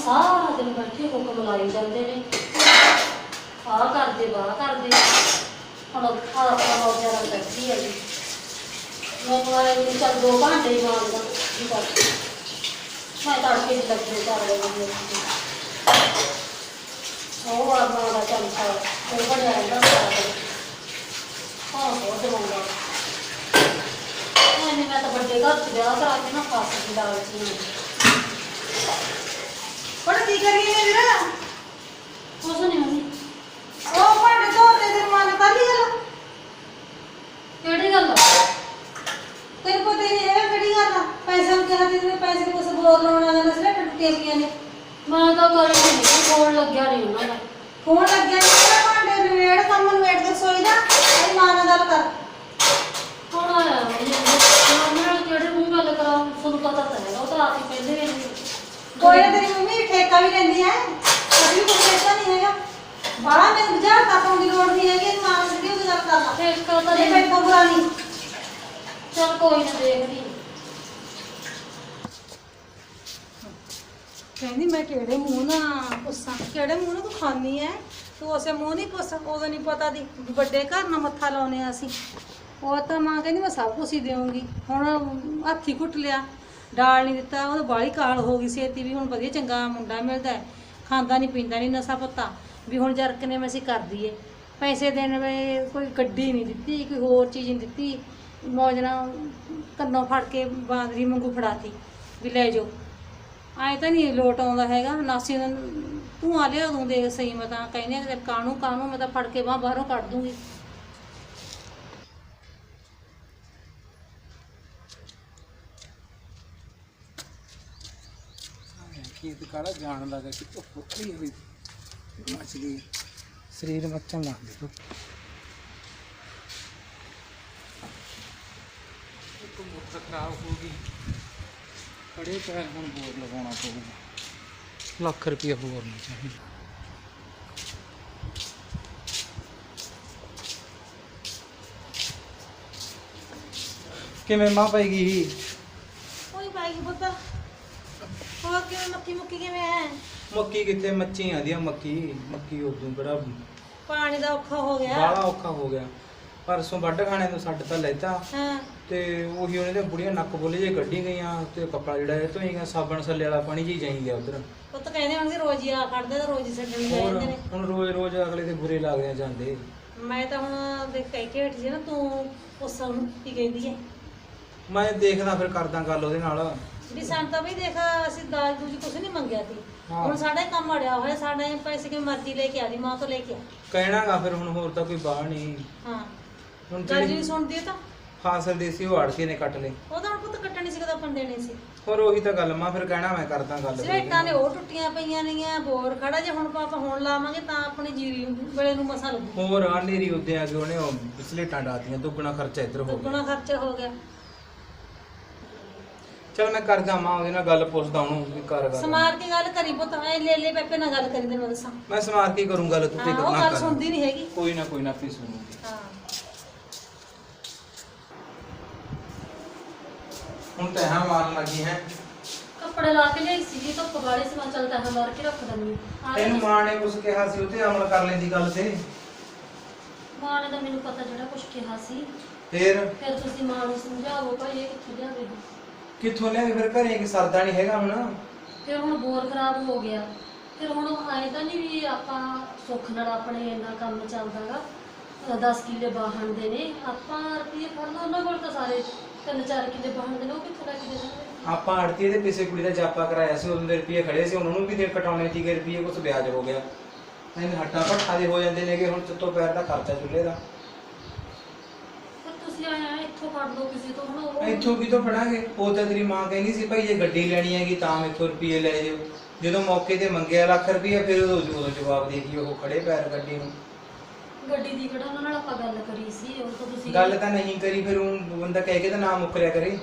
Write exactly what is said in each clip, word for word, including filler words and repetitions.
ਸਾਰਾ ਦਿਨ ਬੈਠੇ ਹੁਕਮ ਲਾਈ ਜਾਂਦੇ ਨੇ, ਆਹ ਕਰਦੇ ਵਾਹ ਕਰਦੇ। ਹੁਣ ਆਪਣਾ ਮੌਜਾਂ ਨਾਲ ਬੈਠੀ ਹੈ ਜੀ, ਮੈਨੂੰ ਆਏ ਵੀ ਚੱਲ ਦੋ ਘੰਟੇ ਹੀ ਮਾਰਦਾ ਜੀ ਕਰਕੇ ਮੈਂ ਤੜਕੇ ਚ ਲੱਗੇ ਕਰ ਰਹੀ ਉਹ ਆਪਣਾ ਦਾ ਚਮਚਾ ਉਹ ਬਣਿਆ ਰਹਿੰਦਾ ਸਾਰਾ ਦਿਨ। ਹਾਂ ਬਹੁਤ ਦਵਾਉਂਦਾ ਨਹੀਂ, ਮੈਂ ਤਾਂ ਵੱਡੇ ਘਰ ਚ ਵਿਆਹ ਕਰਾ ਕੇ ਨਾ ਫਸ ਗਈ ਲਾਲਚ ਨੂੰ। ਪਰ ਕੀ ਕਰੀਏ ਨੇ ਵੀਰਾ? ਕੁਛ ਨਹੀਂ ਹੁੰਦੀ। ਉਹ ਭਾਂਡੇ ਧੋਤੇ ਤੇ ਮਨ ਕਰ ਲਈ ਗੱਲ। ਕਿਹੜੀ ਗੱਲ? ਤੈਨੂੰ ਪਤਾ ਹੀ ਨਹੀਂ ਹੈਗਾ ਕਿਹੜੀ ਗੱਲ ਆ। ਪੈਸੇ ਨੂੰ ਕਿਹਾ ਤੇ ਪੈਸੇ ਨੂੰ ਕੁਛ ਬੋਲ ਲਾਉਣਾ ਨਾ ਸਿਰ ਟੁੱਟੀਆਂ ਪਈਆਂ ਨੇ। ਮੈਂ ਤਾਂ ਕਰ ਨਹੀਂ ਫੋਨ ਲੱਗਿਆ ਨਹੀਂ ਉਹਨਾਂ ਦਾ। ਫੋਨ ਲੱਗਿਆ ਨਹੀਂ, ਭਾਂਡੇ ਨਵੇੜ ਕੰਮ ਨਵੇੜ ਕੇ ਸੋਈ ਦਾ ਇਹ ਮਾਂ ਨਾਲ ਗੱਲ ਕਰ। ਕੌਣ ਆਇਆ ਨਾਲ ਕਿਹੜੇ ਮੂੰਹ ਗੱਲ ਕਰਾਂ? ਤੁਹਾਨੂੰ ਪਤਾ ਤਾਂ ਹੈਗਾ, ਉਹ ਤਾਂ ਆਪ ਹੀ ਪਹਿਲੇ ਵੀ ਕੋਈ ਨਾ ਤੇਰੀ ਮੰਮੀ ਠੇਕਾ ਵੀ ਲੈਂਦੀ ਹੈ, ਕਦੀ ਵੀ ਕੋਈ ਠੇਕਾ ਨਹੀਂ ਹੈਗਾ। ਬਾਹਲਾ ਮੈਨੂੰ ਬੁਝਾ ਤਾਪਾਂ ਦੀ ਲੋੜ ਨਹੀਂ ਹੈਗੀ, ਮਾਂ ਨਾਲ ਸਿੱਧੀ ਉਹਦੀ ਗੱਲ ਕਰ ਲਾ। ਠੇਕਾ ਤਾਂ ਇਹ ਬੈਠਾ ਬੁਰਾ ਨਹੀਂ। ਚੱਲ ਕੋਈ ਨਾ ਦੇਖਦੀ। ਕਹਿੰਦੀ ਮੈਂ ਕਿਹੜੇ ਮੂੰਹ ਨਾਲ ਪੁੱਛਾਂ, ਕਿਹੜੇ ਮੂੰਹ ਨਾਲ ਤੂੰ ਖਾਂਦੀ ਐ? ਤੂੰ ਉਸੇ ਮੂੰਹ ਨਹੀਂ ਪੁੱਛ, ਉਦੋਂ ਨਹੀਂ ਪਤਾ ਦੀ ਵੱਡੇ ਘਰ ਨਾਲ ਮੱਥਾ ਲਾਉਣੇ ਆ ਅਸੀਂ। ਉਹ ਤਾਂ ਮਾਂ ਕਹਿੰਦੀ ਮੈਂ ਸਭ ਕੁਛ ਹੀ ਦੇਵਾਂਗੀ। ਹੁਣ ਹੱਥੀ ਘੁੱਟ ਲਿਆ, ਡਾਲ ਨਹੀਂ ਦਿੱਤਾ, ਉਹ ਬਾਹਲੀ ਕਾਲ ਹੋ ਗਈ ਛੇਤੀ ਵੀ। ਹੁਣ ਵਧੀਆ ਚੰਗਾ ਮੁੰਡਾ ਮਿਲਦਾ, ਖਾਂਦਾ ਨਹੀਂ ਪੀਂਦਾ ਨਹੀਂ, ਨਸ਼ਾ ਪੱਤਾ ਵੀ। ਹੁਣ ਜਰਕ ਨੇ ਮੈਂ ਅਸੀਂ ਕਰ ਦਈਏ ਪੈਸੇ ਦੇਣ ਵੇ, ਕੋਈ ਗੱਡੀ ਨਹੀਂ ਦਿੱਤੀ, ਕੋਈ ਹੋਰ ਚੀਜ਼ ਨਹੀਂ ਦਿੱਤੀ। ਮੌਜ ਨਾਲ ਕੰਨੋਂ ਫੜ ਕੇ ਬਾਂਦਰੀ ਵਾਂਗੂ ਫੜਾਤੀ ਵੀ ਲੈ ਜਾਓ। ਐਂ ਤਾਂ ਨਹੀਂ ਲੋਟ ਆਉਂਦਾ ਹੈਗਾ। ਨਾਸੀ ਤੂੰ ਆ ਲਿਆ ਉਦੋਂ ਦੇਖ ਸਹੀ, ਮੈਂ ਤਾਂ ਕਹਿੰਦੀ ਹਾਂ ਕਾਹਨੂੰ ਕਾਹਨੂੰ ਮੈਂ ਤਾਂ ਫੜ ਕੇ ਬਾਹ ਬਾਹਰੋਂ ਕੱਢ ਦੂੰਗੀ। ਖੇਤ ਕਾਲਾ ਜਾਣ ਲੱਗਾ ਕਿ ਧੁੱਪ ਉੱਤਰੀ ਹੋਈ ਮੱਚ ਗਈ, ਸਰੀਰ ਮੱਚਣ ਲੱਗ ਗਿਆ। ਇੱਕ ਮੋਟਰ ਖਰਾਬ ਹੋ ਗਈ, ਖੜੇ ਪੈਰ ਹੁਣ ਬੋਰ ਲਗਾਉਣਾ ਪਊਗਾ। ਲੱਖ ਰੁਪਏ ਬੋਰ ਨਹੀਂ ਚਾਹੀਦਾ। ਕਿਵੇਂ ਮਾਂ ਪਈ ਗਈ? ਕੋਈ ਪਾਏਗੀ ਪੁੱਤ। ਹੋਰ ਕਿਵੇਂ ਮੱਕੀ ਮੁੱਕੀ ਕਿਵੇਂ ਹੈ? ਮੱਕੀ ਕਿੱਥੇ ਮੱਚੀ ਆਂਦੀ ਆ। ਮੱਕੀ ਮੱਕੀ ਉਦੋਂ ਬੜਾ ਪਾਣੀ ਦਾ ਔਖਾ ਹੋ ਗਿਆ। ਬਾਹਲਾ ਔਖਾ ਹੋ ਗਿਆ। ਪਰਸੋਂ ਵੱਢ ਖਾਣੇ ਤੋਂ ਛੱਡ ਤਾਂ ਲੈਤਾ ਹਾਂ ਤੇ ਉਹੀ ਉਹਨੇ ਤੇ ਬੁੜੀਆਂ ਨੱਕ ਬੋਲੇ ਜੇ ਕੱਢੀ ਗਈਆਂ ਤੇ ਕੱਪੜਾ ਜਿਹੜਾ ਇਹ ਧੋਈਆਂ, ਸਾਬਣ ਸੱਲੇ ਵਾਲਾ ਪਾਣੀ ਜੀ ਜਾਈ ਗਿਆ ਉਧਰ। ਉਹ ਤਾਂ ਕਹਿੰਦੇ ਹੋਣਗੇ ਰੋਜ਼ ਹੀ ਆ ਕੱਢਦੇ ਤਾਂ ਰੋਜ਼ ਹੀ ਛੱਡਣ ਹੋਰ ਜਾਂਦੇ ਨੇ। ਹੁਣ ਰੋਜ਼ ਰੋਜ਼ ਅਗਲੇ ਦੇ ਬੁਰੇ ਲੱਗਦੇ ਆ ਜਾਂਦੇ। ਮੈਂ ਤਾਂ ਹੁਣ ਦੇਖ ਕਹਿ ਕੇ ਹਟੀ ਸੀ ਨਾ, ਤੂੰ ਉਸ ਨੂੰ ਕੀ ਕਹਿੰਦੀ ਹੈ ਮੈਂ ਦੇਖਦਾ ਫਿਰ ਕਰਦਾ ਗੱਲ ਉਹਦੇ ਨਾਲ ਵੀ ਸਾਨੂੰ ਤਾਂ ਵੀ ਦੇਖ ਅਸੀਂ ਦਾਜ ਦੂਜੀ ਕੁਛ ਨਹੀਂ ਮੰਗਿਆ ਸੀ। ਹਾਂ। ਹੁਣ ਸਾਡਾ ਹੀ ਕੰਮ ਅੜਿਆ ਹੋਇਆ, ਸਾਡੇ ਪੈਸੇ ਕਿਵੇਂ ਮਰਜ਼ੀ ਲੈ ਕੇ ਆ ਦੀ, ਮਾਂ ਤੋਂ ਲੈ ਕੇ ਆ। ਕਹਿਣਾਗਾ ਫਿਰ ਹੁਣ ਹੋਰ ਤਾਂ ਕੋਈ ਬਾਹ ਨਹੀਂ। ਹਾਂ ਹੁਣ ਗੱਲ ਜਿਹੜੀ ਨਹੀਂ ਸੁਣਦੀ ਤਾਂ ਫਾਸਲ ਦੇ ਸੀ ਉਹ ਆੜਤੀ ਨੇ ਕੱਟ ਲਏ। ਉਹਦਾ ਹੁਣ ਪੁੱਤ ਕੱਟਣੀ ਸੀ, ਕਦਾ ਆਪਾਂ ਦੇਣੇ ਸੀ। ਹੋਰ ਉਹੀ ਤਾਂ ਗੱਲ ਮਾਂ, ਫਿਰ ਕਹਿਣਾ ਮੈਂ ਕਰਦਾ ਗੱਲ। ਸਲੇਟਾਂ ਨੇ ਉਹ ਟੁੱਟੀਆਂ ਪਈਆਂ ਨੇਗੀਆਂ, ਬੋਰ ਖੜਾ ਜੇ ਹੁਣ ਆਪਾਂ ਹੁਣ ਲਾਵਾਂਗੇ ਤਾਂ ਆਪਣੀ ਜੀਰੀ ਵੇਲੇ ਨੂੰ ਮਸਾ ਲੱਗੂ। ਹੋਰ ਆ ਨੇਰੀ ਉੱਤੇ ਆ ਕੇ ਉਹਨੇ ਉਹ ਸਲੇਟਾਂ ਡਾਤੀਆਂ, ਦੁੱਗਣਾ ਖਰਚਾ ਇੱਧਰ ਹੋ ਗਿਆ। ਦੁੱਗਣਾ ਖਰਚਾ ਹੋ ਗਿਆ। ਚਲ ਮੈਂ ਕਰਦਾ ਮਾਂ ਉਹਦੇ ਨਾਲ ਗੱਲ, ਪੁੱਛਦਾ ਉਹਨੂੰ ਵੀ ਕਰ ਗੱਲ। ਸਮਾਰ ਕੇ ਗੱਲ ਕਰੀ ਪੁੱਤ, ਐ ਲੈ ਲੈ ਪੈਪੇ ਨਾਲ ਗੱਲ ਕਰੀ, ਤੈਨੂੰ ਦੱਸਾਂ। ਮੈਂ ਸਮਾਰ ਕੇ ਕਰੂੰ ਗੱਲ, ਤੂੰ ਤੇ ਹਾਂ, ਉਹ ਕਰਨਾ ਗੱਲ ਸੁਣਦੀ ਨਹੀਂ ਹੈਗੀ। ਕੋਈ ਨਾ ਕੋਈ ਨਾ ਆਪੇ ਸੁਣੂਗੀ। ਹਾਂ ਹੁਣ ਤਾਂ ਹਾਂ ਮਾਰਨ ਲੱਗੀ ਹੈ। ਕੱਪੜੇ ਲਾ ਕੇ ਲਿਆਈ ਸੀ ਧੁੱਪ ਵਾਲੇ ਸੀ, ਮੈਂ ਚੱਲ ਤੈਨੂੰ ਮਾਰ ਕੇ ਰੱਖ ਦਿੰਦੀ ਹਾਂ। ਤੈਨੂੰ ਮਾਂ ਨੇ ਕੁਝ ਕਿਹਾ ਸੀ, ਉੱਤੇ ਅਮਲ ਕਰ ਲੈਂਦੀ ਗੱਲ ਤੇ। ਮਾਂ ਨੇ ਤਾਂ ਮੈਨੂੰ ਪਤਾ ਜਿਹੜਾ ਕੁਝ ਕਿਹਾ ਸੀ। ਫੇਰ ਫਿਰ ਤੁਸੀਂ ਮਾਂ ਨੂੰ ਸਮਝਾਓ ਭਾਈ ਇਹ ਕਿੱਥੋਂ ਲਿਆਵੇ। ਕਿੱਥੋਂ ਲਿਆਵੇ ਫਿਰ? ਘਰੇ ਕਿ ਸਰਦਾ ਨਹੀਂ ਹੈਗਾ ਹੁਣ। ਫਿਰ ਹੁਣ ਬੋਰ ਖਰਾਬ ਹੋ ਗਿਆ। ਫਿਰ ਹੁਣ ਆਏ ਤਾਂ ਨਹੀਂ ਵੀ ਆਪਾਂ ਸੁੱਖ ਨਾਲ ਆਪਣੇ ਇੰਨਾ ਕੰਮ ਚੱਲਦਾਗਾ। ਦਸ ਕਿੱਲੇ ਬਾਹਣ ਦੇ ਨੇ, ਆਪਾਂ ਰੁਪਈਏ ਫੜ ਲਓ ਉਹਨਾਂ ਕੋਲ ਤਾਂ ਸਾਰੇ ਤਿੰਨ ਚਾਰ ਕਿੱਲੇ ਬਾਹਣ ਦੇ ਨੇ, ਉਹ ਕਿੱਥੋਂ ਲੈ ਕੇ ਦੇ ਸਕਦੇ। ਆਪਾਂ ਆੜਤੀ ਦੇ ਪਿੱਛੇ ਕੁੜੀ ਦਾ ਜਾਪਾ ਕਰਾਇਆ ਸੀ, ਉਦੋਂ ਦੇ ਰੁਪਏ ਖੜੇ ਸੀ, ਉਹਨਾਂ ਨੂੰ ਵੀ ਦੇ ਕਟਾਉਣੇ ਸੀਗੇ ਰੁਪਏ, ਕੁਛ ਵਿਆਜ ਹੋ ਗਿਆ। ਨਹੀਂ ਹੱਟਾਂ ਭੱਠਾ ਦੇ ਹੋ ਜਾਂਦੇ ਨੇਗੇ ਹੁਣ, ਚੁੱਤੋਂ ਪੈਰ ਦਾ ਖਰਚਾ ਚੁੱਲ੍ਹੇ ਦਾ। ਤੁਸੀਂ ਆਇਆ ਇੱਥੋਂ ਫੜ ਲਓ ਕਿਸੇ ਤੋਂ, ਹੁਣ ਉਹ ਇੱਥੋਂ ਕਿਤੋਂ ਫੜਾਂਗੇ? ਉਹ ਤਾਂ ਤੇਰੀ ਮਾਂ ਕਹਿੰਦੀ ਸੀ ਭਾਈ ਜੇ ਗੱਡੀ ਲੈਣੀ ਹੈਗੀ ਤਾਂ ਮੈਥੋਂ ਰੁਪਏ ਲੈ ਜਾਓ। ਜਦੋਂ ਮੌਕੇ ਤੇ ਮੰਗਿਆ ਲੱਖ ਰੁਪਏ, ਫਿਰ ਉਦੋਂ ਉਦੋਂ ਜਵਾਬ ਦੇ ਗਈ ਉਹ ਖੜੇ ਪੈਰ ਗੱਡੀ ਨੂੰ। ਗੱਡੀ ਦੀ ਕਿਹੜਾ ਉਹਨਾਂ ਨਾਲ ਆਪਾਂ ਗੱਲ ਕਰੀ ਸੀ, ਉਹ ਤਾਂ ਤੁਸੀਂ ਗੱਲ ਤਾਂ ਨਹੀਂ ਕਰੀ, ਫਿਰ ਉਹ ਬੰਦਾ ਕਹਿ ਕੇ ਤਾਂ ਨਾ ਮੁੱਕਰਿਆ ਕਰੇ।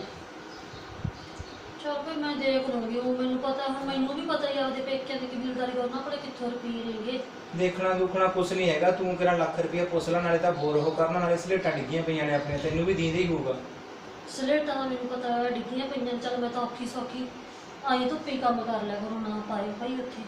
ਚਲ ਭਾਈ ਮੈਂ ਦੇਖ ਲੂੰਗੀ, ਉਹ ਮੈਨੂੰ ਪਤਾ, ਹੁਣ ਮੈਨੂੰ ਵੀ ਪਤਾ ਹੀ ਆਪਦੇ ਪੇਕਿਆਂ ਦੀ ਕਬੀਲਦਾਰੀ ਉਹਨਾਂ ਕੋਲੇ ਕਿੱਥੋਂ ਰੁਪਈਏ ਨੇਗੇ। ਦੇਖਣਾ ਦੁਖਣਾ ਕੁਛ ਨਹੀਂ ਹੈਗਾ, ਤੂੰ ਕਿਹੜਾ ਲੱਖ ਰੁਪਏ ਪੁੱਛ ਲੈ, ਨਾਲੇ ਤਾਂ ਬੋਰ ਹੋ ਕਰਨਾ, ਨਾਲੇ ਸਲੇਟਾਂ ਡਿੱਗੀਆਂ ਪਈਆਂ ਨੇ ਆਪਣੀਆਂ, ਤੈਨੂੰ ਵੀ ਦੀਂਦੇ ਹੀ ਹੋਊਗਾ। ਸਲੇਟਾਂ ਦਾ ਮੈਨੂੰ ਪਤਾ ਡਿੱਗੀਆਂ ਪਈਆਂ, ਚੱਲ ਮੈਂ ਤਾਂ ਔਖੀ ਸੌਖੀ ਆਈ ਧੁੱਪੇ ਕੰਮ ਕਰ ਲਿਆ ਕਰੋ, ਨਾ ਪਾਏ ਭਾਈ ਉੱਥੇ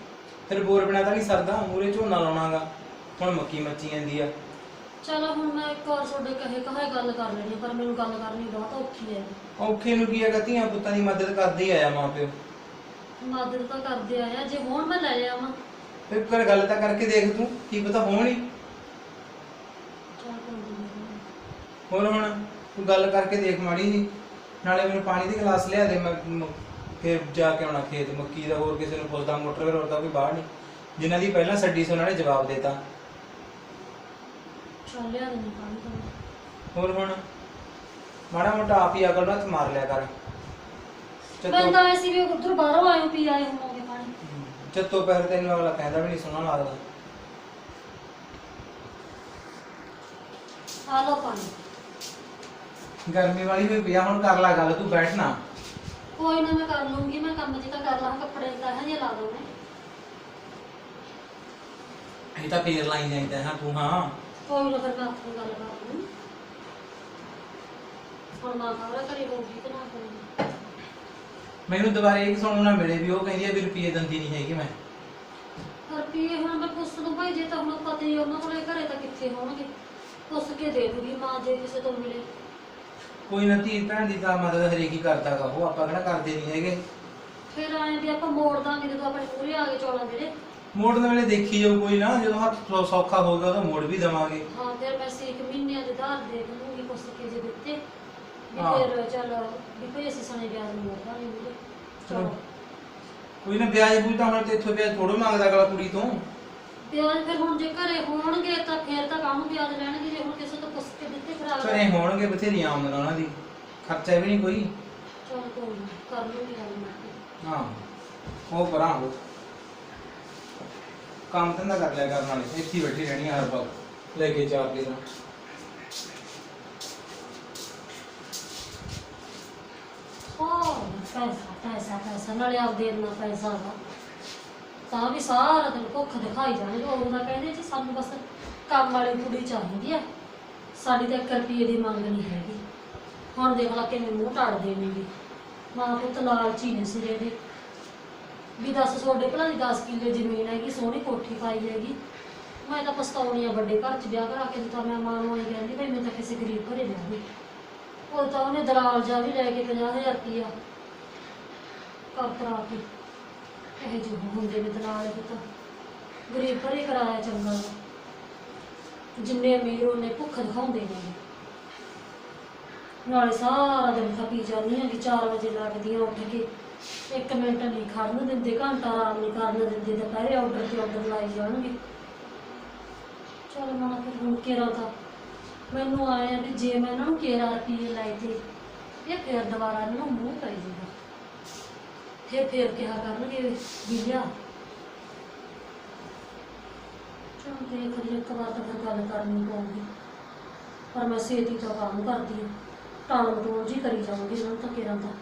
ਫਿਰ ਬੋਰ ਬਿਨਾ ਤਾਂ ਨਹੀਂ ਸਰਦਾ, ਮੂਰੇ ਝੋਨਾ ਲਾਉਣਾਗਾ, ਹੁਣ ਮੱਕੀ ਮੱਚੀ ਜਾਂਦੀ ਆ। ਚਲੋ ਹੁਣ ਮੈਂ ਇੱਕ ਵਾਰ ਤੁਹਾਡੇ ਕਹੇ ਕਹੇ ਗੱਲ ਕਰ ਲੈਣੀ, ਪਰ ਮੈਨੂੰ ਗੱਲ ਕਰਨੀ ਬਹੁਤ ਔਖੀ ਹੈ। ਔਖੇ ਨੂੰ ਕੀ ਹੈਗਾ, ਧੀਆਂ ਪੁੱਤਾਂ ਦੀ ਮਦਦ ਕਰਦੇ ਹੀ ਆਇਆ ਮਾਂ ਪਿਓ। ਮਦਦ ਤਾਂ ਕਰਦੇ ਆਇਆ, ਜੇ ਹੁਣ ਮੈਂ ਲੈ ਜਾਵਾਂ। ਫਿਰ ਕਰ ਗੱਲ ਤਾਂ ਕਰਕੇ ਦੇਖ ਤੂੰ, ਕੀ ਪਤਾ ਹੋਣ ਹੀ। ਚੱਲ ਕੋਈ ਨੀ। ਹੋਰ ਹੁਣ ਤੂੰ ਗੱਲ ਕਰਕੇ ਦੇਖ ਮਾੜੀ ਜੀ, ਨਾਲੇ ਮੈਨੂੰ ਪਾਣੀ ਦੀ ਗਲਾਸ ਲਿਆ ਦੇ, ਮੈਂ ਮ- ਫਿਰ ਜਾ ਕੇ ਆਉਣਾ ਖੇਤ ਮੱਕੀ ਦਾ। ਹੋਰ ਕਿਸੇ ਨੂੰ ਪੁੱਛਦਾ, ਮੋਟਰ ਹੋਰ ਤਾਂ ਕੋਈ ਬਾਹਰ ਨਹੀਂ, ਜਿਨ੍ਹਾਂ ਦੀ ਪਹਿਲਾਂ ਛੱਡੀ ਸੀ ਉਹਨਾਂ ਨੇ ਜਵਾਬ ਦੇਤਾ। ਚੱਲ ਲਿਆ ਦੇਣੀ ਪਾਣੀ ਤਾਂ। ਹੋਰ ਹੁਣ ਮਾੜਾ ਮੋਟਾ ਆਪ ਹੀ ਅਕਲ ਨੂੰ ਹੱਥ ਮਾਰ ਲਿਆ ਕਰ। ਮੈਂ ਤਾਂ ਐਸੀ ਵੀ ਉਧਰ ਬਾਹਰੋਂ ਆਏ ਪੀ ਆਏ ਹੋਣਗੇ ਪਾਣੀ। ਚੱਤੋ ਪੈਰ ਤੈਨੂੰ ਅਗਲਾ ਕਹਿੰਦਾ ਵੀ ਨਹੀਂ ਸੋਹਣਾ ਲੱਗਦਾ। ਆ ਲਓ ਪਾਣੀ। ਗਰਮੀ ਵਾਲੀ ਹੋਈ ਪਿਆ, ਹੁਣ ਕਰ ਲੈ ਗੱਲ, ਤੂੰ ਬੈਠ ਨਾ। ਕੋਈ ਨਾ ਮੈਂ ਕਰ ਲੂੰਗੀ, ਮੈਂ ਕੰਮ ਜੀ ਤਾਂ ਕਰ ਲਾਂ, ਕੱਪੜੇ ਤਾਂ ਹੈ ਜੇ ਲਾ ਦੋ ਮੈਂ। ਇਹ ਤਾਂ ਫੇਰ ਲਾਈ ਜਾਂਦਾ ਹਾਂ ਤੂੰ। ਹਾਂ ਕੋਈ ਨਾ ਫਿਰ ਮੈਂ ਆਪਣੀ ਗੱਲ ਕਰ ਲੂੰ। ਹੁਣ ਮਾਂ ਖਬਰ ਕਰੀ ਹੋਊਗੀ ਕਿ ਨਾ ਕਰੀ। ਮੈਨੂੰ ਦੁਬਾਰੇ ਇਹ ਸੁਣਨ ਨਾ ਮਿਲੇ ਵੀ ਉਹ ਕਹਿੰਦੀ ਆ ਵੀ ਰੁਪਈਏ ਦਿੰਦੀ ਨਹੀਂ ਹੈਗੀ ਮੈਂ। ਰੁਪਈਏ ਹੁਣ ਮੈਂ ਪੁੱਛ ਦੂੰ ਭਾਈ, ਜੇ ਤਾਂ ਹੁਣ ਪਤਾ ਹੀ ਉਹਨਾਂ ਕੋਲੇ ਘਰੇ ਤਾਂ ਕਿੱਥੇ ਹੋਣਗੇ। ਪੁੱਛ ਕੇ ਦੇ ਦੂਗੀ ਮਾਂ ਜੇ ਕਿਸੇ ਤੋਂ ਮਿਲੇ। ਕੋਈ ਨਾ, ਧੀ ਭੈਣ ਦੀ ਤਾਂ ਮਦਦ ਹਰੇਕ ਹੀ ਕਰਦਾਗਾ, ਉਹ ਆਪਾਂ ਕਿਹੜਾ ਕਰਦੇ ਨਹੀਂ ਹੈਗੇ। ਫਿਰ ਆਏ ਵੀ ਆਪਾਂ ਮੋੜ ਦਾਂਗੇ ਜਦੋਂ ਆਪਣੇ ਪੂਰੇ ਆ ਗਏ ਚੌਲਾਂ ਜਿਹੜੇ। ਮੋੜਨ ਵੇਲੇ ਦੇਖੀ ਜਾਊ ਕੋਈ ਨਾ, ਜਦੋਂ ਹੱਥ ਸੌ- ਸੌਖਾ ਹੋਊਗਾ ਉਦੋਂ ਮੋੜ ਵੀ ਦੇਵਾਂਗੇ। ਹਾਂ ਫਿਰ ਮੈਂ ਸੀ ਇੱਕ ਮਹੀਨੇ ਦੇ ਧਾਰ ਦੇ ਦੂੰਗੀ, ਪੁੱਛ ਕੇ ਜੇ ਦਿੱਤੇ ਵੀ ਹਾਂ। ਫਿਰ ਚੱਲ ਵੀ ਕੋਈ ਅਸੀਂ ਸਣੇ ਵਿਆਜ ਮੋੜ ਦਾਂਗੇ ਵੀਰੇ। ਚਲੋ ਕੋਈ ਨਾ, ਵਿਆਜ ਬੂਝ ਤਾਂ ਹੁਣ ਤੇ ਇੱਥੋਂ ਵਿਆਜ ਥੋੜੋ ਮੰਗਦਾ ਅਗਲਾ ਕੁੜੀ ਤੋਂ। ਵਿਆਜ ਫਿਰ ਹੁਣ ਜੇ ਘਰੇ ਹੋਣਗੇ ਤਾਂ ਫਿਰ ਤਾਂ ਕਾਹਨੂੰ ਵਿਆਜ ਲੈਣਗੇ, ਜੇ ਹੁਣ ਕਿਸੇ ਤੋਂ ਪੁੱਛ ਕੇ ਦਿੱਤੇ ਫਿਰ ਅਗਲਾ। ਘਰੇ ਹੋਣਗੇ ਬਥੇਰੀਆਂ ਆਮਦਨ ਉਹਨਾਂ ਦੀ, ਖਰਚਾ ਵੀ ਨਹੀਂ ਕੋਈ। ਚਲ ਕੋਈ ਨਾ, ਕਰ ਲੂੰਗੀ ਗੱਲ ਮੈਂ। ਹਾਂ ਉਹ ਪਰਾਂ ਹੋ, ਕੰਮ ਧੰਦਾ ਕਰ ਲਿਆ ਕਰਨ ਵਾਲੇ, ਇੱਥੇ ਹੀ ਬੈਠੀ ਰਹਿਣੀ ਹਰ ਵਕਤ ਲੈ ਕੇ ਚਾਰ ਕੇ ਤਾਂ। ਉਹ ਪੈਸਾ ਪੈਸਾ ਪੈਸਾ ਨਾਲੇ ਆਪਦੇ ਇੰਨਾ ਪੈਸਾ ਵਾ ਤਾਂ ਵੀ ਸਾਰਾ ਦਿਨ ਭੁੱਖ ਦਿਖਾਈ ਜਾਣਗੇ। ਉਹ ਤਾਂ ਕਹਿੰਦੇ ਜੀ ਸਾਨੂੰ ਬਸ ਕੰਮ ਵਾਲੀ ਕੁੜੀ ਚਾਹੀਦੀ ਆ, ਸਾਡੀ ਤਾਂ ਇੱਕ ਰੁਪਈਏ ਦੀ ਮੰਗ ਨਹੀਂ ਹੈਗੀ। ਹੁਣ ਦੇਖ ਲਾ ਕਿਵੇਂ ਮੂੰਹ ਟਾੜਦੇ ਨੇਗੇ। ਮਾਂ ਪੁੱਤ ਲਾਲਚੀ ਨੇ ਸਿਰੇ ਦੇ ਵੀ ਦੱਸ ਤੁਹਾਡੇ ਭਲਾ ਦੀ ਦਸ ਕਿੱਲੇ ਜ਼ਮੀਨ ਹੈਗੀ, ਸੋਹਣੀ ਕੋਠੀ ਪਾਈ ਹੈਗੀ। ਮੈਂ ਤਾਂ ਪਛਤਾਉਣੀ ਆ ਵੱਡੇ ਘਰ 'ਚ ਵਿਆਹ ਕਰਾ ਕੇ ਦਿੱਤਾ। ਮੈਂ ਮਾਂ ਨੂੰ ਇਹ ਕਹਿੰਦੀ ਭਾਈ ਮੈਂ ਤਾਂ ਕਿਸੇ ਗਰੀਬ ਘਰੇ ਵਿਆਹੀ। ਉਹ ਤਾਂ ਉਹਨੇ ਦਲਾਲ ਜਾ ਵੀ ਲੈ ਕੇ ਪੰਜਾਹ ਹਜ਼ਾਰ ਰੁਪਈਆ ਕਰ ਕਰਾ ਕੇ ਇਹ ਜਿਹੇ ਹੁੰਦੇ ਨੇ ਦਲਾਲ। ਇਹ ਤਾਂ ਗਰੀਬ ਘਰੇ ਕਰਾਇਆ ਚੰਗਾ ਵਾ। ਜਿੰਨੇ ਅਮੀਰ ਉਹਨੇ ਭੁੱਖ ਦਿਖਾਉਂਦੇ ਨੇ। ਨਾਲੇ ਸਾਰਾ ਦਿਨ ਖਪੀ ਜਾਂਦੀ ਹਾਂ ਕਿ ਚਾਰ ਵਜੇ ਲੱਗਦੀਆਂ ਉੱਠ ਕੇ, ਇੱਕ ਮਿੰਟ ਨਹੀਂ ਖੜਨ ਦਿੰਦੇ, ਘੰਟਾ ਆਰਾਮ ਨਹੀਂ ਕਰਨ ਦਿੰਦੇ। ਦੁਪਹਿਰੇ ਆਰਡਰ ਤੇ ਆਰਡਰ ਲਾਈ ਜਾਣਗੇ। ਚੱਲ ਮਨਾ ਫਿਰ ਹੁਣ ਕੇਰਾ ਤਾਂ ਮੈਨੂੰ ਆਇਆ ਵੀ ਜੇ ਮੈਂ ਇਹਨਾਂ ਨੂੰ ਕੇਰਾ ਰੁਪਈਏ ਲਾਏ ਤੇ ਇਹ ਫਿਰ ਦੁਬਾਰਾ ਇਹਨਾਂ ਨੂੰ ਮੂੰਹ ਪੈ ਜਾਊਗਾ। ਫਿਰ ਫਿਰ ਕਿਹਾ ਕਰਨਗੇ ਵੀ ਲਿਆ। ਚਲ ਦੇਖ ਲਈ ਇੱਕ ਵਾਰ ਤਾਂ ਫਿਰ ਗੱਲ ਕਰਨੀ ਪਊਗੀ, ਪਰ ਮੈਂ ਛੇਤੀ ਤੋਂ ਕੰਮ ਕਰਦੀ ਹਾਂ। ਟਾਲ ਮਟੋਲ ਜੀ ਕਰੀ ਜਾਊਂਗੀ ਇਹਨਾਂ ਨੂੰ ਤਾਂ ਕੇਰਾ ਤਾਂ।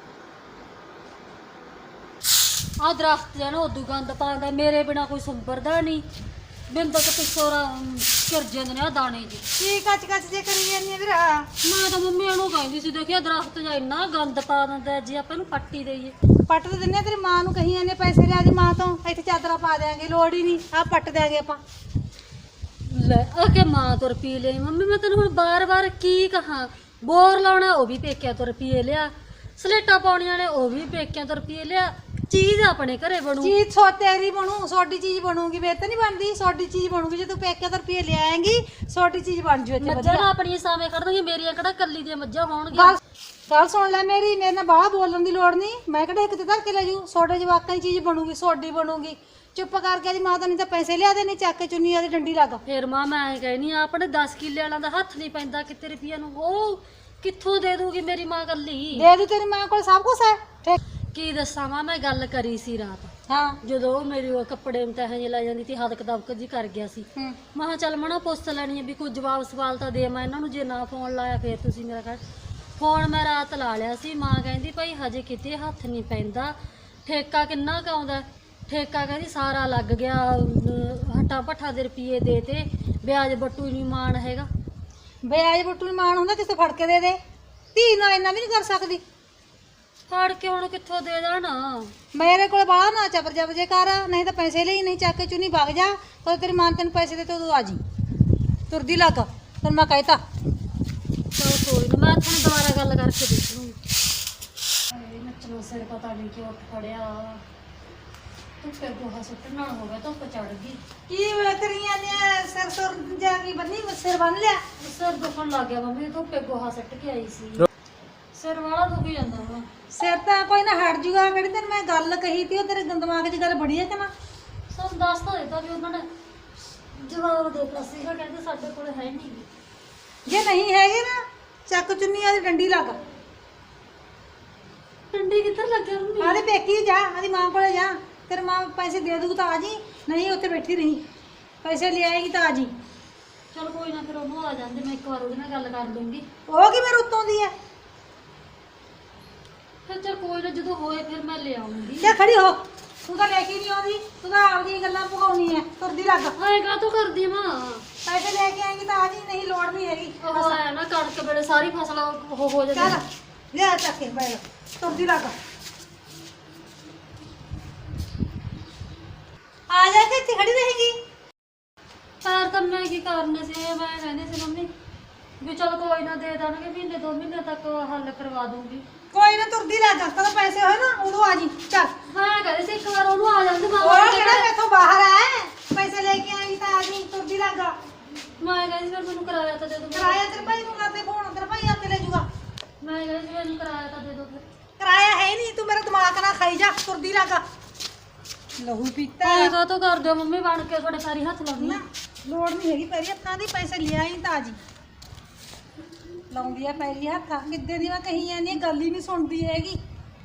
ਆ ਦਰਖਤ ਜਿਹੜਾ ਉਦੋਂ ਗੰਦ ਪਾਉਂਦਾ, ਮੇਰੇ ਬਿਨਾ ਕੋਈ ਸੰਭਰਦਾ ਨਹੀਂ। ਬਿੰਦਕ ਪਿੱਛੋਂ ਘਿਰ ਜਾਂਦੇ ਨੇ ਆ ਦਾਣੇ ਜੀ। ਕੀ ਕੱਚ ਕੱਚ ਜੇ ਕਰੀ ਜਾਂਦੀ ਆ ਵੀਰਾ? ਮੈਂ ਤਾਂ ਮੰਮੀ ਉਹਨੂੰ ਕਹਿੰਦੀ ਸੀ, ਦੇਖਿਆ ਦਰਖਤ ਜਾਂ ਇੰਨਾ ਗੰਦ ਪਾ ਦਿੰਦਾ, ਜੇ ਆਪਾਂ ਇਹਨੂੰ ਪੱਟੀ ਦੇਈਏ। ਪੱਟ ਤੇ ਦਿੰਨੇ ਆ, ਤੇਰੀ ਮਾਂ ਨੂੰ ਕਹੀ ਜਾਂਦੇ ਪੈਸੇ ਲਿਆ ਦੀ ਮਾਂ ਤੋਂ, ਇੱਥੇ ਚਾਦਰਾਂ ਪਾ ਦਿਆਂਗੇ, ਲੋੜ ਹੀ ਨਹੀਂ, ਆ ਪੱਟ ਦਿਆਂਗੇ ਆਪਾਂ। ਲੈ ਆ ਕੇ ਮਾਂ ਤੋਂ ਰੁਪਈਏ ਲਈ। ਮੰਮੀ ਮੈਂ ਤੈਨੂੰ ਹੁਣ ਬਾਰ-ਬਾਰ ਕੀ ਕਹਾਂ, ਬੋਰ ਲਾਉਣਾ ਉਹ ਵੀ ਪੇਕਿਆਂ ਤੋਂ ਰੁਪਈਏ ਲਿਆ, ਸਲੇਟਾਂ ਪਾਉਣੀਆਂ ਨੇ ਉਹ ਵੀ ਪੇਕਿਆਂ ਤੋਂ ਰੁਪਈਏ ਲਿਆ। ਚੀਜ਼ ਆਪਣੇ ਘਰੇ ਬਣੂ, ਚੀਜ਼ ਸੋ ਤੇਰੀ ਬਣੂ, ਸੋਡੀ ਚੀਜ਼ ਬਣੂਗੀ। ਮੇਰੇ ਤਾਂ ਨਹੀਂ ਬਣਦੀ, ਸੋਡੀ ਚੀਜ਼ ਬਣੂਗੀ। ਜੇ ਤੂੰ ਪੇਕੇ ਤੋਂ ਰੁਪਈਏ ਲਿਆਏਂਗੀ ਸੋਡੀ ਚੀਜ਼ ਬਣ ਜੂ ਇੱਥੇ ਮੱਝਾਂ ਵਧੀਆ। ਆਪਣੀਆਂ ਸਾਵੇਂ ਖੜਨਗੀਆਂ, ਮੇਰੀਆਂ ਕਿਹੜਾ ਕੱਲੀ ਦੀਆਂ ਮੱਝਾਂ ਹੋਣਗੀਆਂ। ਗੱਲ ਗੱਲ ਸੁਣ ਲੈ ਮੇਰੀ, ਮੇਰੇ ਨਾਲ ਬਾਹਰ ਬੋਲਣ ਦੀ ਲੋੜ ਨਹੀਂ। ਮੈਂ ਕਿਹੜਾ ਇੱਕ ਤੇ ਧਰ ਕੇ ਲੈ ਜੂ, ਸੋਡੇ ਜਵਾਕਾਂ ਦੀ ਚੀਜ਼ ਬਣੂਗੀ, ਸੋਡੀ ਬਣੂਗੀ। ਚੁੱਪ ਕਰਕੇ ਦੀ ਮਾਂ ਤਾਂ ਨਹੀਂ ਤਾਂ ਪੈਸੇ ਲਿਆ ਦੇ, ਨਹੀਂ ਚੱਕ ਕੇ ਚੁੰਨੀ ਆਦੀ ਡੰਡੀ ਲੱਗ। ਫਿਰ ਮਾਂ ਮੈਂ ਐਂ ਕਹਿਨੀ ਆ, ਆਪਣੇ ਦਸ ਕਿੱਲੇ ਵਾਲਾਂ ਦਾ ਹੱਥ ਨਹੀਂ ਪੈਂਦਾ ਕਿਤੇ ਰੁਪਈਆ ਨੂੰ। ਉਹ ਕਿੱਥੋਂ ਦੇ ਦੂਗੀ ਮੇਰੀ ਮਾਂ ਕੱਲੀ? ਦੇ ਦੂ, ਤੇਰੀ ਮਾਂ ਕੋਲ ਸਭ ਕੁਝ ਹੈ। ਠੀਕ ਕੀ ਦੱਸਾਂ ਮਾਂ, ਮੈਂ ਗੱਲ ਕਰੀ ਸੀ ਰਾਤ ਹਾਂ। ਜਦੋਂ ਉਹ ਮੇਰੀ ਉਹ ਕੱਪੜੇ ਮਤਹ ਜੇ ਲੈ ਜਾਂਦੀ ਸੀ, ਹਦਕ ਦਬਕ ਜੀ ਕਰ ਗਿਆ ਸੀ। ਹੂੰ ਮੈਂ ਕਿਹਾ ਚੱਲ ਮਣਾ ਪੁੱਛ ਲੈਣੀ ਆ ਵੀ ਕੋਈ ਜਵਾਬ ਸਵਾਲ ਤਾਂ ਦੇ ਮੈਂ ਇਹਨਾਂ ਨੂੰ। ਜੇ ਨਾ ਫੋਨ ਲਾਇਆ ਫਿਰ ਤੁਸੀਂ ਮੇਰਾ ਕਰ ਫੋਨ। ਮੈਂ ਰਾਤ ਲਾ ਲਿਆ ਸੀ। ਮਾਂ ਕਹਿੰਦੀ ਭਾਈ ਹਜੇ ਕਿਤੇ ਹੱਥ ਨਹੀਂ ਪੈਂਦਾ, ਠੇਕਾ ਕਿੰਨਾ ਕੁ ਆਉਂਦਾ? ਠੇਕਾ ਕਹਿੰਦੀ ਸਾਰਾ ਲੱਗ ਗਿਆ, ਹੱਟਾ ਭੱਠਾ ਦੇ ਰੁਪਈਏ ਦੇ ਤੇ ਵਿਆਜ ਬੱਟੂ ਨਹੀਂ ਮਾਣ ਹੈਗਾ। ਵਿਆਜ ਬੁੱਟੂ ਨੂੰ ਮਾਣ ਹੁੰਦਾ, ਕਿਸੇ ਫੜ ਕੇ ਦੇ ਦੇ। ਧੀ ਨਾਲ ਇੰਨਾ ਵੀ ਨਹੀਂ ਕਰ ਸਕਦੀ। ਫੜ ਕੇ ਹੁਣ ਕਿੱਥੋਂ ਦੇ ਦੇਣਾ? ਮੇਰੇ ਕੋਲ ਬਾਹਰ ਨਾ ਚਬਰ ਜਬ ਜੇ ਕਰ, ਨਹੀਂ ਤਾਂ ਪੈਸੇ ਲਈ ਨਹੀਂ ਚੱਕ ਕੇ ਚੁੰਨੀ ਵਗ ਜਾ। ਉਹ ਤੇਰੀ ਮਾਂ ਤੈਨੂੰ ਪੈਸੇ ਦੇ ਤੇ ਉਦੋਂ ਆ ਜੀ ਤੁਰਦੀ ਲੱਗ। ਤੈਨੂੰ ਮੈਂ ਕਹਿਤਾ ਚਲ ਕੋਈ ਨਾ, ਮੈਂ ਤੁਹਾਨੂੰ ਦੁਬਾਰਾ ਗੱਲ ਕਰਕੇ ਦੇਖ ਲੂੰਗੀ। ਹਾਏ ਨੱਚਣਾ ਸਿਰ ਪਤਾ ਨਹੀਂ ਕਿ ਉੱਠ ਖੜਿਆ। ਧੁੱਪੇ ਗੋਹਾ ਸੁੱਟਣ ਨਾਲ ਹੋ ਗਿਆ, ਧੁੱਪ ਚੜ ਗਈ। ਕੀ ਹੋਇਆ ਤੇਰੀਆਂ ਨੇ ਸਿਰ ਸੁਰ ਜਾ ਕੇ ਬੰਨੀ ਸਿਰ ਬੰਨ ਲਿਆ। ਸਿਰ ਦੁਖਣ ਲੱਗ ਗਿਆ ਮੰਮੀ, ਧੁੱਪੇ ਗੋਹਾ ਸੁੱਟ ਕੇ ਆਈ ਸੀ। ਸਿਰ ਵਾਲਾ ਦੁਖੀ ਜਾਂਦਾ ਵਾ। ਸਿਰ ਤਾਂ ਕੋਈ ਨਾ ਹਟ ਜੂਗਾ। ਕਿਹੜੀ ਤੈਨੂੰ ਮੈਂ ਗੱਲ ਕਹੀ ਤੀ, ਉਹ ਤੇਰੇ ਦਿਮਾਗ 'ਚ ਗੱਲ ਬੜੀ ਹੈ ਕਿ ਨਾ? ਸਾਨੂੰ ਦੱਸ ਤਾਂ ਦਿੱਤਾ ਵੀ ਉਹਨਾਂ ਨੇ ਜਵਾਬ ਦੇ ਦਿੱਤਾ ਸੀਗਾ, ਕਹਿੰਦੇ ਸਾਡੇ ਕੋਲ ਹੈ ਨਹੀਂ। ਜੇ ਨਹੀਂ ਹੈਗੇ ਨਾ ਚੱਕ ਚੁੰਨੀ ਆਦੀ ਡੰਡੀ ਲੱਗ। ਡੰਡੀ ਕਿੱਧਰ ਲੱਗਿਆ ਮੰਮੀ? ਆਦੇ ਪੇਕੀ ਜਾ, ਆਦੀ ਮਾਂ ਕੋਲੇ ਜਾ। ਤੇਰੇ ਮਾਂ ਪੈਸੇ ਦੇ ਦੂ ਤਾਂ ਆ ਜੀ, ਨਹੀਂ ਉੱਥੇ ਬੈਠੀ ਰਹੀ। ਪੈਸੇ ਲੈ ਆਏਗੀ ਤਾਂ ਆ ਜੀ। ਚਲ ਕੋਈ ਨਾ, ਫਿਰ ਉਹਨੂੰ ਆ ਜਾਂਦੇ, ਮੈਂ ਇੱਕ ਵਾਰ ਉਹਦੇ ਨਾਲ ਗੱਲ ਕਰ ਲੂੰਗੀ। ਉਹ ਕੀ ਮੇਰੇ ਉੱਤੋਂ ਦੀ ਹੈ? ਫਿਰ ਚਲ ਕੋਈ ਨਾ, ਜਦੋਂ ਹੋਏ ਫਿਰ ਮੈਂ ਲੈ ਆਉਂਗੀ। ਜਾ ਖੜੀ ਹੋ, ਤੂੰ ਤਾਂ ਲੈ ਕੇ ਨਹੀਂ ਆਉਂਦੀ, ਤੂੰ ਤਾਂ ਆਪਦੀਆਂ ਗੱਲਾਂ ਭਗਾਉਣੀ ਹੈ। ਤੁਰਦੀ ਲੱਗ। ਆਏਗਾ ਤੂੰ ਕਰਦੀ ਮਾਂ। ਪੈਸੇ ਲੈ ਕੇ ਆਏਗੀ ਤਾਂ ਆ ਜੀ, ਨਹੀਂ ਲੋੜ ਨਹੀਂ ਹੈਗੀ। ਉਹ ਆਇਆ ਨਾ ਕਣਕ ਵੇਲੇ ਸਾਰੀ ਫਸਲ ਉਹ ਹੋ ਜਾਂਦੀ। ਚੱਲ ਲਿਆ ਚੱਕ ਕੇ ਬੈਗ, ਤੁਰਦੀ ਲੱਗ। ਆ ਜਾ ਕੇ ਇੱਥੇ ਖੜੀ ਰਹੇਗੀ। ਪੈਰ ਤਾਂ ਮੈਂ ਕੀ ਕਰਨੇ ਸੀ, ਮੈਂ ਕਹਿੰਦੀ ਸੀ ਮੰਮੀ ਵੀ ਚਲ ਕੋਈ ਨਾ ਦੇ ਦੇਣਗੇ, ਮਹੀਨੇ ਦੋ ਮਹੀਨੇ ਤੱਕ ਹੱਲ ਕਰਵਾ ਦੂੰਗੀ। ਕੋਈ ਨਾ ਤੁਰਦੀ ਲੱਗ, ਤਾਂ ਪੈਸੇ ਹੋਏ ਨਾ ਉਦੋਂ ਆ ਜੀ। ਚੱਲ ਮੈਂ ਕਹਿੰਦੀ ਸੀ ਇੱਕ ਵਾਰ ਉਹਨੂੰ ਆ ਜਾਂਦੇ ਮਾਂ। ਉਹ ਕਿਹੜਾ ਮੈਥੋਂ ਬਾਹਰ ਆਏ, ਪੈਸੇ ਲੈ ਕੇ ਆਏਗੀ ਤਾਂ ਆ ਜੀ। ਤੁਰਦੀ ਲੱਗ। ਮੈਂ ਕਹਿੰਦੀ ਸੀ ਫਿਰ ਮੈਨੂੰ ਕਿਰਾਇਆ ਤਾਂ ਦੇ ਦੋ। ਕਿਰਾਇਆ ਤੇਰੇ ਭਾਈ ਨੂੰ ਕਰਦੇ ਫੋਨ, ਤੇਰਾ ਭਾਈ ਆਪੇ ਲੈ ਜਾਊਗਾ। ਮੈਂ ਕਹਿੰਦੀ ਸੀ ਮੈਨੂੰ ਕਿਰਾਇਆ ਤਾਂ ਦੇ ਦੋ ਫਿਰ। ਕਿਰਾਇਆ ਹੈ ਨਹੀਂ, ਤੂੰ ਮੇਰਾ ਦਿਮਾਗ ਨਾ ਖਾਈ ਜਾ। ਤੁਰਦੀ ਲੱਗ। ਲਹੂ ਪੀਤਾ ਆਏਗਾ ਤੂੰ ਕਰ ਦਿਓ ਮੰਮੀ, ਬਣ ਕੇ ਤੁਹਾਡੇ ਪੈਰੀ ਹੱਥ ਲਾਉਣੀ। ਨਾ ਲੋੜ ਨਹੀਂ ਹੈਗੀ ਪੈਰੀ ਹੱਥਾਂ ਦੀ। ਪੈਸੇ ਲਿਆਈ ਤਾਂ ਆ ਜੀ। ਲਾਉਂਦੀ ਆ ਪੈਰੀ ਹੱਥ। ਕਿੱਦੇ ਦੀ ਮੈਂ ਕਹੀ ਜਾਂਦੀ ਹਾਂ, ਗੱਲ ਹੀ ਨਹੀਂ ਸੁਣਦੀ ਹੈਗੀ।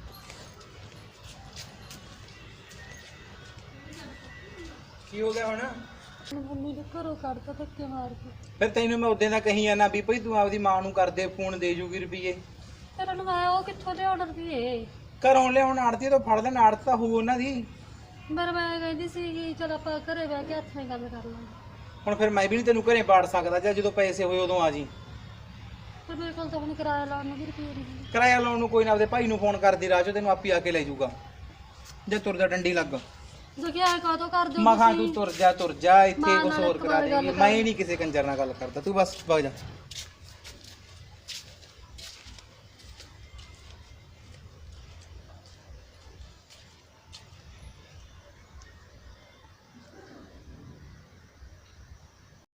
ਕੀ ਹੋ ਗਿਆ ਹੁਣ? ਮੰਮੀ ਦੇ ਘਰੋਂ ਕੱਢਤਾ ਧੱਕੇ ਮਾਰ ਕੇ। ਫਿਰ ਤੈਨੂੰ ਮੈਂ ਉਦੋਂ ਦਾ ਕਹੀ ਜਾਣਾ ਵੀ ਭਈ ਤੂੰ ਆਪਦੀ ਮਾਂ ਨੂੰ ਕਰ ਦੇ ਫੋਨ, ਦੇ ਜੂਗੀ ਰੁਪਈਏ। ਫਿਰ ਉਹਨੂੰ ਮੈਂ ਉਹ ਕਿੱਥੋਂ ਲਿਆਉਣ ਰੁਪਈਏ? ਘਰੋਂ ਲਿਆਉਣ ਆੜਤੀ ਤੋਂ ਫੜ ਲੈਣ, ਆੜਤ ਤਾਂ ਹੋਊ ਉਹਨਾਂ ਦੀ। ਪਰ ਮੈਂ ਕਹਿੰਦੀ ਸੀ ਕਿ ਚਲ ਆਪਾਂ ਘਰੇ ਬਹਿ ਕੇ ਹੱਥ ਨਾਲ ਗੱਲ ਕਰ ਲਾਂਗੇ। ਹੁਣ ਫਿਰ ਮੈਂ ਵੀ ਨਹੀਂ ਤੈਨੂੰ ਘਰੇ ਬਾੜ ਸਕਦਾ, ਜਾਂ ਜਦੋਂ ਪੈਸੇ ਹੋਏ ਉਦੋਂ ਆ ਜੀ। ਫਿਰ ਮੇਰੇ ਕੋਲ ਤਾਂ ਹੁਣ ਕਿਰਾਇਆ ਲਾਉਣ ਨੂੰ ਵੀ ਰੁਪਈਏ ਨਹੀਂ। ਕਿਰਾਇਆ ਲਾਉਣ ਨੂੰ ਕੋਈ ਨਾ ਆਪਦੇ ਭਾਈ ਨੂੰ ਫੋਨ ਕਰਦੀ ਰਾਹ ਚੋਂ, ਤੈਨੂੰ ਆਪੀ ਆ ਕੇ ਲੈ ਜਾਊਗਾ। ਜੇ ਤੁਰਦਾ ਡੰਡੀ ਲੱਗ। ਦੇਖਿਆ ਕਾਹਤੋਂ ਕਰ ਦਿਓ ਮਖਾਂ ਤੂੰ ਤੁਰ ਜਾ ਤੁਰ ਜਾ, ਇੱਥੇ ਮਾਂ ਕੁਛ ਨਾਲ ਹੋਰ ਇੱਕ ਕਰਾ ਵਾਰ ਦੇਗੀ। ਗੱਲ ਮੈਂ ਨਹੀਂ ਕਿਸੇ ਕੰਜਰ ਨਾਲ ਗੱਲ ਕਰਦਾ, ਤੂੰ ਬਸ ਵਗ ਜਾ।